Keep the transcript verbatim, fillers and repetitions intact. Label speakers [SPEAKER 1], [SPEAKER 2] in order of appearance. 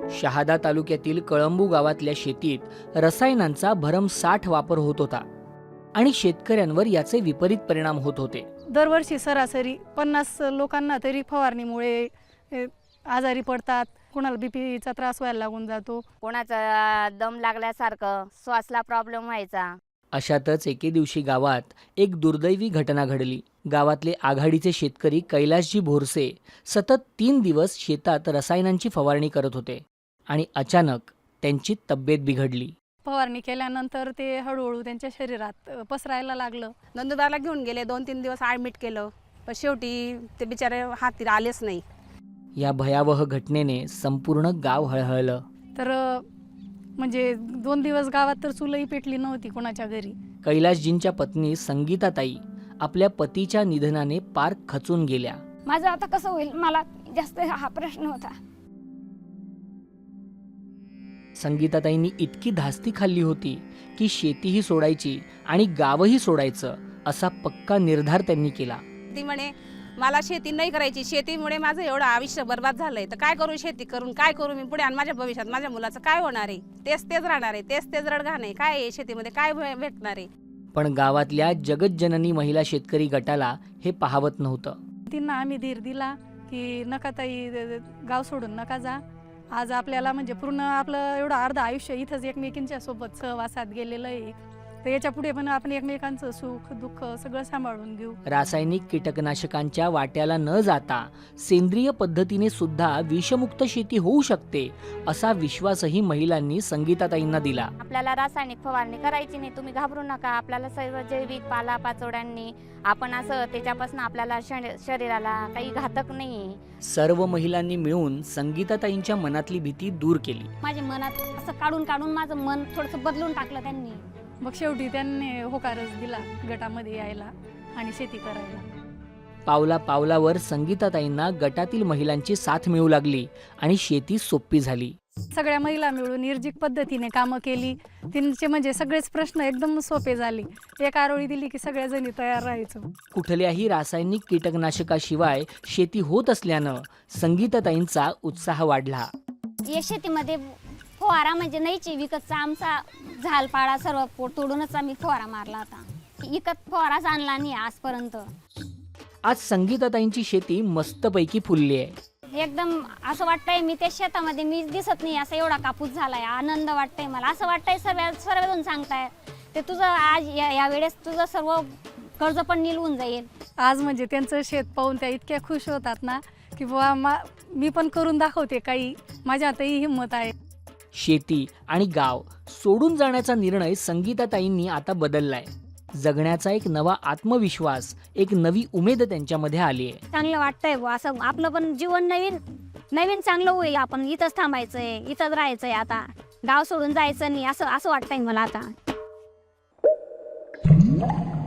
[SPEAKER 1] शहादा तालुक्यातील कळंबू गावातल्या शेतीत रसायनांचा भरमसाठ वापर होत होता आणि शेतकऱ्यांवर याचे विपरीत परिणाम होत होते.
[SPEAKER 2] दरवर्षी सरासरी पन्नास लोकांना तरी फवारणीमुळे ए, आजारी पडतात. कोणाला बीपीचा त्रास व्हायला लागून जातो.
[SPEAKER 3] कोणाचा दम लागल्यासारखं श्वासला प्रॉब्लेम व्हायचा.
[SPEAKER 1] अशातच एके दिवशी गावात एक दुर्दैवी घटना घडली. गावातले आघाडीचे शेतकरी कैलासजी भोरसे सतत तीन दिवस शेतात रसायनांची फवारणी करत होते आणि अचानक त्यांची तब्येत बिघडली.
[SPEAKER 2] फवारणी केल्यानंतर ते हळूहळू त्यांच्या शरीरात अ, पसरायला लागलं.
[SPEAKER 4] नंदुरबारला घेऊन गेले, दोन तीन दिवस ॲडमिट केलं, पण शेवटी ते बिचारे हाती आलेच नाही.
[SPEAKER 1] या भयावह घटनेने संपूर्ण गाव हळहळलं.
[SPEAKER 2] तर अ, म्हणजे दोन दिवस गावात तर चुलही पेटली नव्हती कोणाच्या घरी.
[SPEAKER 1] कैलासजींच्या पत्नी संगीताताई आपल्या पतीच्या निधनाने पार खचून गेल्या.
[SPEAKER 5] माझं आता कसं होईल, मला जास्त हा प्रश्न होता.
[SPEAKER 1] संगीताताईंनी इतकी धास्ती खाल्ली होती की शेतीही सोडायची आणि गावही सोडायचं असा पक्का निर्धार त्यांनी केला.
[SPEAKER 4] ती म्हणे मला शेती नाही करायची, शेतीमुळे माझं एवढं आयुष्य बर्बाद झालंय, तर काय करू शेती करून, काय करू मी पुढे, आणि माझ्या भविष्यात माझ्या मुलाचं काय होणार आहे, तेच तेच राहणार आहे, तेच तेच रडगाणं आहे, काय आहे शेतीमध्ये काय भे- भेटणार आहे.
[SPEAKER 1] पण गावातल्या जगज्जननी महिला शेतकरी गटाला हे पाहवत नव्हतं.
[SPEAKER 2] त्यांना आम्ही धीर दिला की नका ताई, गाव सोडून नका जा. आज आपल्याला म्हणजे पूर्ण आपलं एवढं अर्ध आयुष्य इथंच एकमेकींच्या सोबत सहवासात गेलेलं आहे. तर याच्या पुढे पण आपण एकमेकांचं सुख दुःख सगळं सांभाळून घेऊ.
[SPEAKER 1] रासायनिक कीटकनाशकांच्या वाट्याला न जाता सेंद्रिय पद्धतीने सुद्धा विषमुक्त शेती होऊ शकते असा विश्वासही महिलांनी संगीताताईंना दिला.
[SPEAKER 3] आपल्याला रासायनिक फवारणी करायची नाही, तुम्ही घाबरू नका. आपल्याला सर्व जैविक पाला पाचोड्यांनी आपण असं त्याच्यापासून आपल्याला शरी- शरीराला काही घातक नाही.
[SPEAKER 1] सर्व महिलांनी मिळून संगीताताईंच्या मनातली भीती दूर केली.
[SPEAKER 5] माझ्या मनात असं काढून काढून माझं मन थोडंसं बदलून टाकलं त्यांनी.
[SPEAKER 2] मग शेवटी त्यांनी होकारच दिला गटामध्ये यायला आणि शेती करायला.
[SPEAKER 1] पावला पावलावर संगीताताईंना गटातील महिलांची साथ मिळू लागली आणि शेती सोपी झाली.
[SPEAKER 2] सगळ्या महिला मिळून निर्जीक पद्धतीने कामं केली. त्यांचे म्हणजे सगळेच प्रश्न एकदम सोपे झाले. एक आरोळी दिली की सगळ्या जणी तयार राहायचो.
[SPEAKER 1] कुठल्याही रासायनिक कीटकनाशकाशिवाय शेती होत असल्यानं संगीताताईंचा उत्साह वाढला.
[SPEAKER 5] या शेतीमध्ये फवारा म्हणजे नाहीची, विकतचा आमचा झालपाडा सर्व पोट तोडूनच आम्ही फवारा मारला होता. विकत फवाराच आणला नाही आजपर्यंत.
[SPEAKER 1] आज संगीताताईंची शेती मस्तपैकी फुलली आहे.
[SPEAKER 5] एकदम असं वाटतंय मी त्या शेतामध्ये मी दिसत नाही, असं एवढा कापूस झालाय. आनंद वाटतंय मला. असं वाटतंय सर्व सर्वजण सांगताय ते तुझं आज या या वेळेस तुझं सर्व कर्ज पण निलवून जाईल.
[SPEAKER 2] आज म्हणजे त्यांचं शेत पाहून त्या इतक्या खुश होतात ना की बुवा मा मी पण करून दाखवते काही, माझ्या आताही हिंमत आहे.
[SPEAKER 1] शेती आणि गाव सोडून जाण्याचा निर्णय संगीताताईंनी आता बदललाय. जगण्याचा एक नवा आत्मविश्वास, एक नवी उमेद त्यांच्यामध्ये आली आहे.
[SPEAKER 5] चांगलं वाटतंय बुवा, असं आपलं पण जीवन नवीन नवीन चांगलं होईल. आपण इथंच थांबायचंय, इथंच राहायचंय, आता गाव सोडून जायचं नाही असं असं वाटतंय मला आता.